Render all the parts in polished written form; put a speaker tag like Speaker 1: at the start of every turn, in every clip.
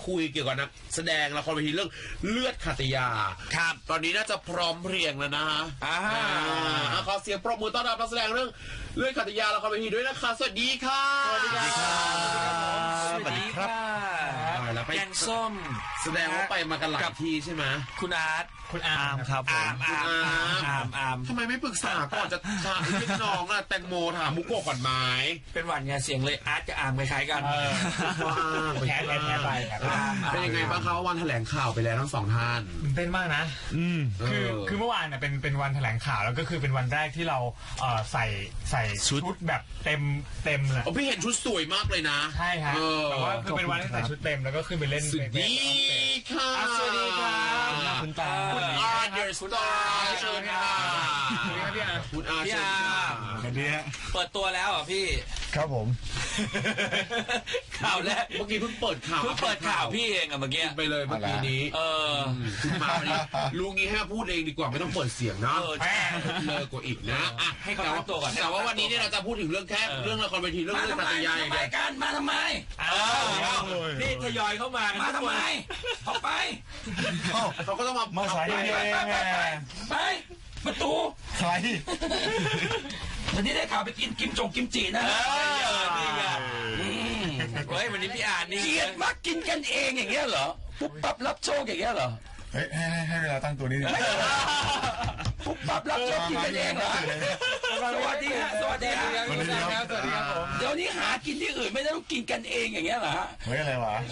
Speaker 1: คุยเกี่ยวกับนักแสดงละครเวทีเรื่องเลือดขัตยาครับตอนนี้น่าจะพร้อมเพรียงแล้วนะฮะขอเสียงปรบมือต้อนรับนักแสดงเรื่องเลือดขัตยาละครเวทีด้วยนะคะสวัสดีค่ะสวัสดีครับสวัสดีครับแกงส้มแสดงว่าไปมากันหลายที่ใช่ไหมคุณอาร์ตคุณอาร์มครับผมคุณอาร์มทำไมไม่ปรึกษาก่อนจะถามพี่น้องอะแตงโมถามมุกโกะก่อนไหม
Speaker 2: เป็นหวันไงเสียงเลยอาร์ตกับอาร์มคล้ายๆกัน
Speaker 1: แพ้ไปเป็นยังไงบ้างครับวันแถลงข่าวไปแล้วทั้งสองท่าน
Speaker 3: เป็นมากนะคือเมื่อวานเนี่ยเป็นวันแถลงข่าวแล้วก็คือเป็นวันแรกที่เราใส่ชุดแบบเต็มเลย
Speaker 1: พี่เห็นชุดสวยมากเลยนะ
Speaker 3: ใช่ครับแต่ว่าคือเป็นวันที่ใส่ชุดเต็มแล้วก็ขึ้นไปเล่น
Speaker 1: สวัสดีค่ะ
Speaker 3: สวัสดีครับคุณตา
Speaker 1: คุณอาร์เดอร์สตาร์เชิญค่ะคุณอาร์
Speaker 2: พี่อาร์
Speaker 3: สวัสดีฮะ
Speaker 2: เปิดตัวแล้วอ่ะพี่
Speaker 3: ครับผม
Speaker 2: ข่าวแรก
Speaker 1: เมื่อกี้เพิ่งเปิดข่าว
Speaker 2: พี่เองอ่ะเมื่อกี้
Speaker 1: ไปเลยเมื่อกี้นี้คุณมาวันนี้ลุงนี้ให้มาพูดเองดีกว่าไม่ต้องเปิดเสียงนะเลยกว่าอีกนะ
Speaker 2: ให้เขาตั้งตัวก่อน
Speaker 1: แต่ว่าวันนี้เนี่ยเราจะพูดถึงเรื่องแค่เรื่องละครเวทีเรื่องปัตยาอย่างเดียว
Speaker 2: กันมาทำไมนี่ทยอยเข้ามาทำไมออกไป
Speaker 1: เขาก็ต้อง
Speaker 3: มาสายเอง
Speaker 2: ไปประตู
Speaker 3: ใคร
Speaker 2: วันนี้ได้ข่าวไปกินกิมจินะนี่ไงเฮ้ยวันนี้พี่อ่านนี่เกลียดมากกินกันเองอย่างเงี้ยเหรอปุ๊บปั๊บรับโชคอย่างเงี้ยเหรอ
Speaker 3: เฮ้ยให้เวลาตั้งตัวนี้ดิ
Speaker 2: ปุ๊บปั๊บรับโชคกินกันเองเหรอสวัสดีครับสวัสดีครับผมเดี๋ยวนี้หากินที่อื่นไม่ได้ต้องกินกันเองอย่างเงี้ยเหรอ
Speaker 3: เฮ้ยอะไรวะ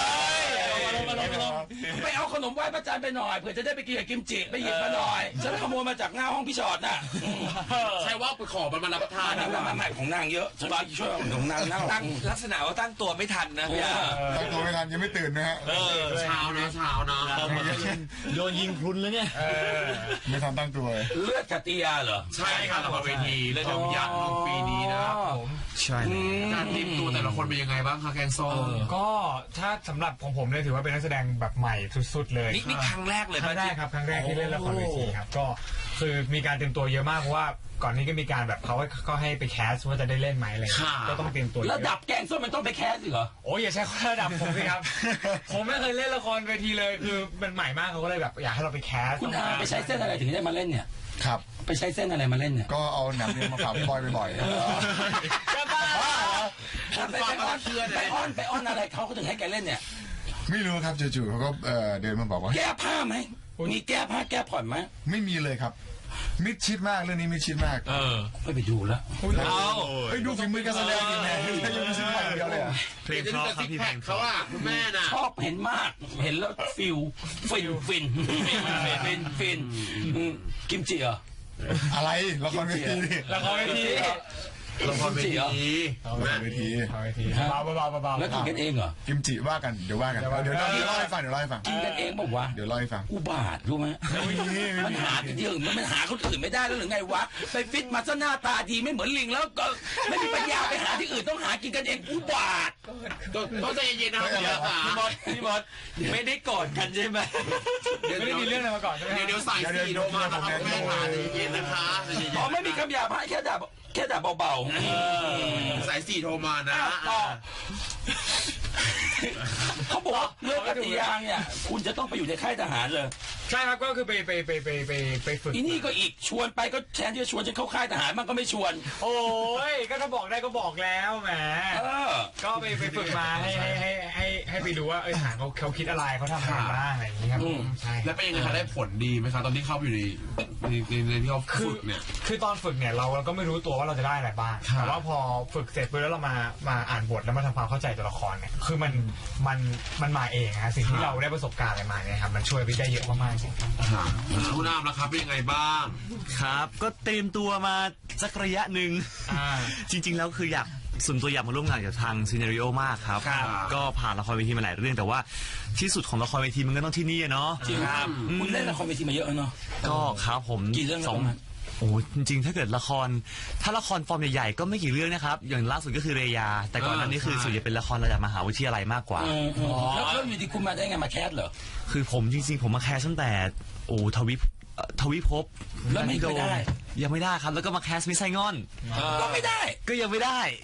Speaker 2: ไปเอาขนมไหว้พระจันทร์ไปหน่อยเผื่อจะได้ไปกินกับกิมจิไปหยิบมาหน่อยฉันขโมยมาจากหน้าห้องพี่ชอดน่ะ
Speaker 1: ใช่ว่าไปขอมันมารับประทาน
Speaker 2: นะมาของนางเยอะฉันช่วยของนางตั้งลักษณะว่าตั้งตัวไม่ทันนะ
Speaker 3: ตั้งตัวไม่ทันยังไม่ตื่นนะฮะ
Speaker 1: เช้านะ
Speaker 3: โดนยิงพลุนแล้วเนี่ยไม่ทันตั้งตัว
Speaker 2: เลือดขัตยาเหรอ
Speaker 1: ใช่ครับละครเวทีเลือดยักษ์ปีนี้นะครับผม
Speaker 3: ใช่
Speaker 1: การเตรียมตัวแต่ละคนเป็นยังไงบ้างคะแกงส้ม
Speaker 3: ก็ถ้าสำหรับของผมเนี่ยถือว่าเป็นนักแสดงแบบใหม่สุดๆเลย
Speaker 2: นี่ครั้งแรกเลย
Speaker 3: ครั้งแรกครับครั้งแรกที่เล่นละครเวทีครับก็คือมีการเตรียมตัวเยอะมากเพราะว่าก่อนนี้ก็มีการแบบเขาก็ให้ไปแคสว่าจะได้เล่นไหมอะไรก็ต้องเตรียมตัว
Speaker 2: ระดับแกงส้มมันต้องไปแคสสิเหรอ
Speaker 3: โอ้ยอย่าใช้ระดับผมสิครับผมไม่เคยเล่นละครเวทีเลยคือมันใหม่มากเขาก็เลยแบบอยากให้เราไปแคส
Speaker 2: คุณอาไปใช้เส้นอะไรถึงได้มาเล่นเนี่ย
Speaker 3: ครับ
Speaker 2: ไปใช้เส้นอะไรมาเล่นเนี่ย
Speaker 3: ก็เอาหนังเรียนมาฝากพี่บอยบ่อย
Speaker 2: ๆจะบ้าไปอ้อนอะไรเขาถึงให้แกเล่นเนี่ย
Speaker 3: ไม่รู้ครับจู่ๆเขาก็เดินมาบอกว่า
Speaker 2: แก้ผ้าไหมมีแก้ผ้าแก้ผ่อนไหม
Speaker 3: ไม่มีเลยครับมิดชิดมากเรื่องนี้มิดชิดมาก
Speaker 2: ไม่ไปดูแล้ว
Speaker 3: ไปดูฝีมือการแสดงจริงแน่ยังไม่ซื้อใหม่เดียวเลย
Speaker 1: เพลงชอบครับพี่เพลงเขาว่าคุณแม่น่ะ
Speaker 2: ชอบเห็นมากเห็นแล้วฟินกิมจิเหรอ
Speaker 3: อะไรละครเวทีละครเวที
Speaker 1: ละครเวที
Speaker 3: เบา
Speaker 2: แล้วกินกันเองเหรอ
Speaker 3: กิมจิว่ากันเดี๋ยวเดี๋ยวเล่าให้ฟัง
Speaker 2: กินกันเองบอกว่า
Speaker 3: เดี๋ยวเล่าให้ฟัง
Speaker 2: อุบาทรู้ไหมมันหาที่อื่นมันหาคนอื่นไม่ได้แล้วหรือไงวะไปฟิตมาซะหน้าตาดีไม่เหมือนลิงแล้วก็ไม่มีปัญญาไปหาที่อื่นต้องหากินกันเองอุบาท
Speaker 1: ต้องใจเย็นๆนะครับ
Speaker 2: พี่มดไม่ได้กอดกันใช่ไหม
Speaker 3: ไม่ได้มีเรื่องอะไรมาก่อนใช่ไหม
Speaker 1: เดี๋ยวใส่สีโดมานะครับแม่ขาใจเย็นๆนะคะ
Speaker 2: อ๋อไม่มีคำหยาบแค่ด่าเบา
Speaker 1: ๆสาย4โทรมานะ
Speaker 2: เขาบอกว่าเรื่องกติยาเนี่ยคุณจะต้องไปอยู่ในค่ายทหารเลย
Speaker 3: ใช่ครับก็คือไปฝึก
Speaker 2: อีนี่ก็อีกชวนไปก็แทนที่จะชวนจะเข้าค่ายทหารมันก็ไม่ชวน
Speaker 3: โอ้ยก็ถ้าบอกได้ก็บอกแล้วแหมก็ไปฝึกมาให้ไปดูว่าทหารเขาคิดอะไรเขาทำอะไรบ้างอะไรอย่างนี้ครับ
Speaker 1: ใช่แล้วเป็นยังไงคะได้ผลดีไหมครับตอนที่เข้าอยู่ในที่เขาฝึกเนี่ย
Speaker 3: คือตอนฝึกเนี่ยเราก็ไม่รู้ตัวว่าเราจะได้อะไรบ้างแต่ว่าพอฝึกเสร็จปุ๊บแล้วเรามาอ่านบทแล้วมาทำความเข้าใจตัวละครเนี่ยคือมันมาเองฮะสิ่งที่เราได้ประสบการณ์อะไรมาเนี่ยครับมันช่วยไปได้เยอะมากๆจริง
Speaker 1: คุณน้ำนะครับเป็นยังไงบ้าง
Speaker 4: ครับก็เตรียมตัวมาสักระยะหนึ่งจริงๆแล้วคือส่วนตัวอยากมาร่วมงานกับทางซีเนริโอมากครับก็ผ่านละครเวทีมาหลายเรื่องแต่ว่าที่สุดของละครเวทีมันก็ต้องที่นี่เนาะ
Speaker 2: จริงครับคุณเล่นละครเวทีมาเยอะเนาะ
Speaker 4: ก็ครับผม
Speaker 2: กี่เรื่อง
Speaker 4: โอ้จริงๆถ้าเกิดละครฟอร์มใหญ่ๆก็ไม่กี่เรื่องนะครับอย่างล่าสุดก็คือเรยาแต่ก่อนหน้านี้คือส่วนใหญ่เป็นละครระดับมหาวิทยาลัยมากกว่า
Speaker 2: แล้วอยู่ที่คุณมาได้ไงมาแคสเหรอ
Speaker 4: คือผมจริงๆผมมาแคสตั้งแต่ทวิภพ
Speaker 2: แล้วไม่ได้
Speaker 4: ยังไม่ได้ครับแล้วก็มาแคสมิสไซงอน
Speaker 2: ก็ไม่ได้
Speaker 4: ก็ยังไม่ได้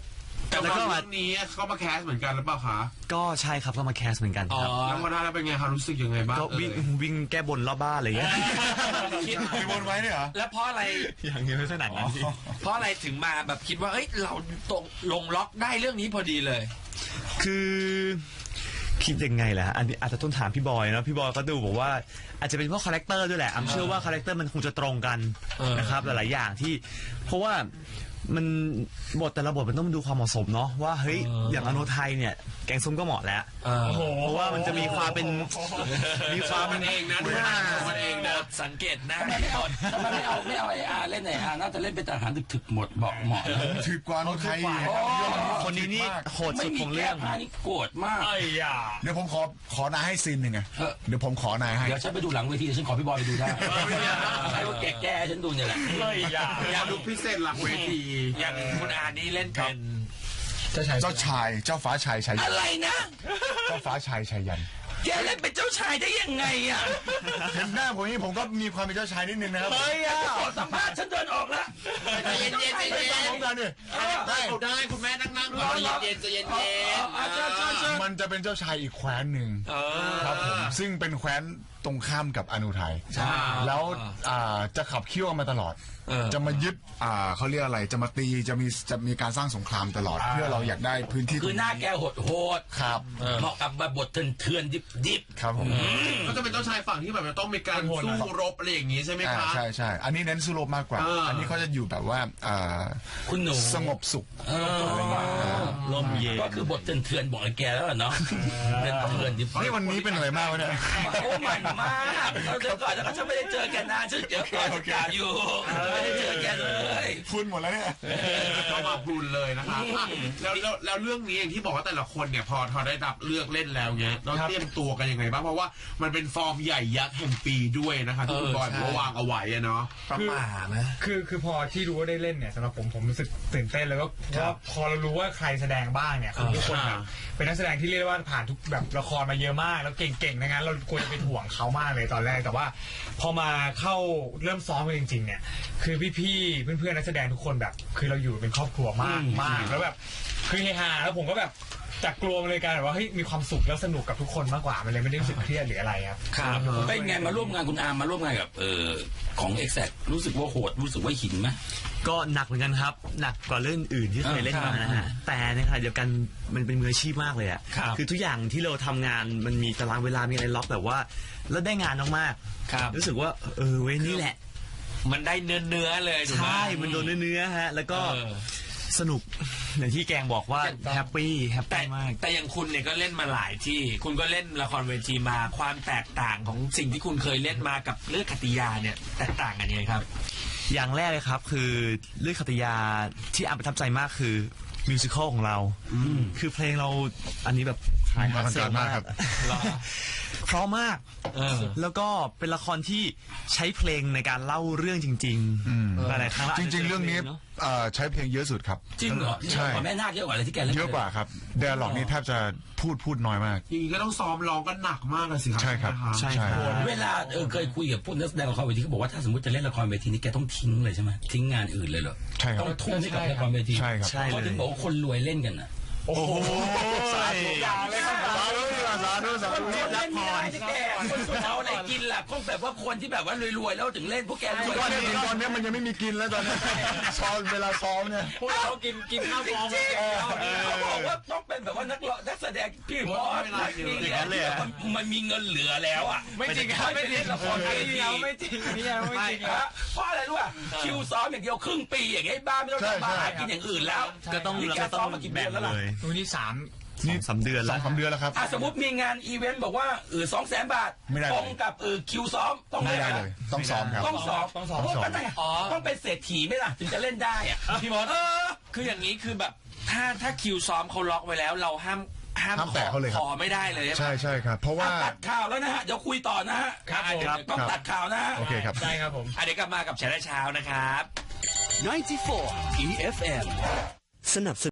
Speaker 1: แต่ว่าเรื่องนี้เขามาแคสเหมือนกันหรือเปล่าคะ
Speaker 4: ก็ใช่ครับก็มาแคสเหมือนกันครับ
Speaker 1: แล้วพอได้แล้วเป็นไงคะรู้สึกยังไงบ้าง
Speaker 4: ก็วิ่งแก้บนรอบบ้านอะไรอย่างเงี้ย
Speaker 2: คิด
Speaker 5: มีบนไว้ด้วยเหรอ
Speaker 2: แล้วเพราะอะไร
Speaker 4: อย่างนี้ไม่ขนาดนั้นพี่
Speaker 2: เพราะอะไรถึงมาแบบคิดว่าเอ้ยเราตกลงล็อกได้เรื่องนี้พอดีเลย
Speaker 4: คือคิดยังไงล่ะอันนี้อาจจะต้องถามพี่บอยนะพี่บอยก็ดูบอกว่าอาจจะเป็นเพราะคาแรคเตอร์ด้วยแหละเชื่อว่าคาแรคเตอร์มันคงจะตรงกันนะครับหลายๆอย่างที่เพราะว่ามันบทแต่ละบทมันต้องดูความเหมาะสมเนาะว่าเฮ้ยอย่างอโนไทยเนี่ยแกงส้มก็เหมาะแล้วเพราะว่ามันจะมีความเป็น
Speaker 1: มันเองนะมันเองนะ
Speaker 2: สังเกตหน้าทำไมไม่เอาไอ้อาเล่นไหนอาน่าจะเล่นเป็นทหารถึกๆหมดบอกเหมาะ
Speaker 5: ถือกว่าโนไทย
Speaker 4: คนนี้นี่โหดสุดของเรื่อง
Speaker 2: ไม่มีแก้ผ้านี่โกรธมาก
Speaker 5: เดี๋ยวผมขอนายให้ซีนหนึ่งไงเดี๋ยวผมขอนายให้
Speaker 2: เดี๋ยวฉันไปดูหลังเวทีฉันขอพี่บอยไปดูได้ให้ว่าแก่ฉันดูเนี่ยแหละ
Speaker 1: อยากดูพิเศษหลังเวที
Speaker 2: อย่างคุณอานี่เล่นเป็น
Speaker 5: เจ้าฟ้าชายชัยยัน
Speaker 2: อะไรนะ
Speaker 5: เจ้าฟ้าชายชัยยัน
Speaker 2: แกเล่นเป็นเจ้าชายได้ยังไงอ่ะ
Speaker 5: เห็นหน้าผมนี่ผมก็มีความเป็นเจ้าชายนิดนึงนะครับ
Speaker 2: ขอสัมภาษณ์ฉันเดินออกแล้ว
Speaker 1: เย็น
Speaker 5: พร้อมกันดิ
Speaker 1: ได้คุณแม่นั่งก่อนเย็นจะเย็น
Speaker 5: มันจะเป็นเจ้าชายอีกแคว้นหนึ่งครับผมซึ่งเป็นแคว้นตรงข้ามกับอนุไทยแล้วจะขับเคี่ยวมาตลอดจะมายึดเขาเรียกอะไรจะมาตีจะมีการสร้างสงครามตลอดเพื่อเราอยากได้พื้นที่
Speaker 2: คือหน้าแกโหด
Speaker 5: ครับ
Speaker 2: เหมาะกับบทเถื่อนดิบ
Speaker 5: ครับผม
Speaker 1: ก็จะเป็นเจ้าชายฝั่งที่แบบต้องมีการสู้รบอะไรอย่างนี้ใช่ไหมครับ
Speaker 5: ใช่อันนี้เน้นสู้รบมากกว่าอันนี้เขาจะอยู่แบบว่า
Speaker 2: คุณหนู
Speaker 5: สงบสุข
Speaker 4: ลมเย็น
Speaker 2: ก็คือบทเถื่อนบอกไอ้แกแล้วเนาะเป็นเถื่อนดิบ
Speaker 5: นี่วันนี้เป็นอะไรมากวะเนี่ย
Speaker 2: โอ้มันมากเราเจอก่อนแล้วก็ฉันไม่ได้เจอแกนานฉันเจอก่อนอยู่ไม่ได้เจอแกเลย
Speaker 5: พูดหมดแล้วเนี่ย
Speaker 1: ก็มาพูดเลยนะคะแล้วเรื่องนี้อย่างที่บอกว่าแต่ละคนเนี่ยพอได้รับเลือกเล่นแล้วเนี้ยเราเตรียมตัวกันยังไงบ้างเพราะว่ามันเป็นฟอร์มใหญ่ยักษ์แห่งปีด้วยนะคะที่คุณบอยวางเอาไว้เนาะ
Speaker 3: ประมาณนะคือพอที่รู้ว่าได้เล่นเนี่ยสำหรับผมรู้สึกตื่นเต้นแล้วก็พอเรารู้ว่าใครแสดงบ้างเนี่ยคือทุกคนแบบเป็นนักแสดงที่เรียกว่าผ่านทุกแบบละครมาเยอะมากแล้วเก่งๆนะงั้นเราควรจะเป็นห่วงเขามากเลยตอนแรกแต่ว่าพอมาเข้าเริ่มซ้อมกันจริงๆเนี่ยคือพี่ๆเพื่อนๆนักแสดงทุกคนแบบคือเราอยู่เป็นครอบครัวมากแล้วแบบคือเฮฮาแล้วผมก็แบบจากกลัวมันเลยกลายเป็นว่าเฮ้ยมีความสุขแล้วสนุกกับทุกคนมากกว่ามันเลยไม่ได้รู้สึกเครียดหรืออะไรครับ
Speaker 2: เป็นไงมาร่วมงานคุณอาร์มมาร่วมงานกับของ Exact รู้สึกว่าโหดรู้สึกว่าหินไหม
Speaker 4: ก็หนักเหมือนกันครับหนักกว่าเรื่องอื่นที่เคยเล่นมานะฮะแต่ในขณะเดียวกันมันเป็นมืออาชีพมากเลยอ่ะคือทุกอย่างที่เราทำงานมันมีตารางเวลามีอะไรล็อกแบบว่าแล้วได้งานมากๆรู้สึกว่าเว้ยนี่แหละ
Speaker 2: มันได้เนื้อเลย
Speaker 4: ใช่มันโดนเนื้อฮะแล้วก็สนุกอย่างที่แกงบอกว่าแฮปปี้มาก
Speaker 2: แต่อย่างคุณเนี่ยก็เล่นมาหลายที่คุณก็เล่นละครเวทีมาความแตกต่างของสิ่งที่คุณเคยเล่นมากับเรื่องคติยาเนี่ยแตกต่างกันยังไงครับ
Speaker 4: อย่างแรกเลยครับคือเรื่องคติยาที่อาประทับใจมากคือมิวสิควลของเราคือเพลงเราอันนี้แบบ
Speaker 5: ขายมาเกินมากครับ
Speaker 4: เพราะมากแล้วก็เป็นละครที่ใช้เพลงในการเล่าเรื่องจริงๆหลายครั้ง
Speaker 5: จริงๆเรื่องนี้ใช้เพลงเยอะสุดครับ
Speaker 2: จริงเหรอ
Speaker 5: ใช่
Speaker 2: แม่นาคเยอะกว่าอะไรที่แกเล่น
Speaker 5: เยอะกว่าครับเดลล็อกนี่แทบจะพูดน้อยมาก
Speaker 1: จริงก็ต้องซ้อมร้องกันหนักมากเลยสิครับ
Speaker 5: ใช่ครับ
Speaker 4: ใช่
Speaker 2: เวลาเคยคุยกับผู้นักแสดงละครเวทีเขาบอกว่าถ้าสมมติจะเล่นละครเวทีนี่แกต้องทิ้งเลยใช่ไหมทิ้งงานอื่นเลยเหรอ
Speaker 5: ใช่ครับ
Speaker 2: ต้องทุ่มให้กับละครเวที
Speaker 5: ใช่ครับ
Speaker 2: เขาถึงบอกว่าคนรวยเล่นกันอ่ะ
Speaker 5: โอ้โหสาธุสาธุ
Speaker 2: เล่นไม่ได้แกคนเอาอะไรกินล่ะคงแบบว่าคนที่แบบว่ารวยๆแล้วถึงเล่นพวกแกรวย
Speaker 5: ตอนนี้มันยังไม่มีกินแล้วตอนนี้ซ้อมเวลาซ้อมเนี่ย
Speaker 3: พวกเขากินข้าวฟอง
Speaker 2: เขาบอกว่าต้องเป็นแบบว่านักแสดงพี่บอสมันมีเงินเหลือแล้วอ่ะ
Speaker 3: ไม่จริงครับไม่จริงละครไม่จริงไม่จริง
Speaker 2: เพราะอะไรรู้ป่ะคิวซ้อมอย่างเดียวครึ่งปีอย่างไงบ้าไม่ต้องทำมาหากินอย่างอื่นแล้ว
Speaker 4: ก็ต้อง
Speaker 2: มากี่เดือนแล้วล่ะ
Speaker 3: นี่
Speaker 4: 3 เดือนแล้ว
Speaker 5: 2-3 เดือนแล้วครับ
Speaker 2: สมมติมีงานอีเวนต์บอกว่า200,000 บาทตรงกับคิวซ้อมต้อง
Speaker 5: ไม่ได้เลยต้องซ้อมครับ
Speaker 2: ต้องซ้อมต้องเป็นเศรษฐีไหมล่ะถึงจะเล่นได้อ่ะ
Speaker 3: พี่มด
Speaker 2: คืออย่างนี้คือแบบถ้าคิวซ้อมเขาล็อกไว้แล้วเราห้าม
Speaker 5: แตะเขาเลยครับ
Speaker 2: ขอไม่ได้เลย
Speaker 5: ใช่ครับเพราะว่า
Speaker 2: ตัดข่าวแล้วนะฮะเดี๋ยวคุยต่อนะฮะ
Speaker 3: ครับ
Speaker 2: ต้องตัดข่าวนะ
Speaker 5: โอเคครับ
Speaker 3: ได้ครับผม
Speaker 2: เดี๋ยวกลับมากับเช้านะครับ94 EFM สนับสนุน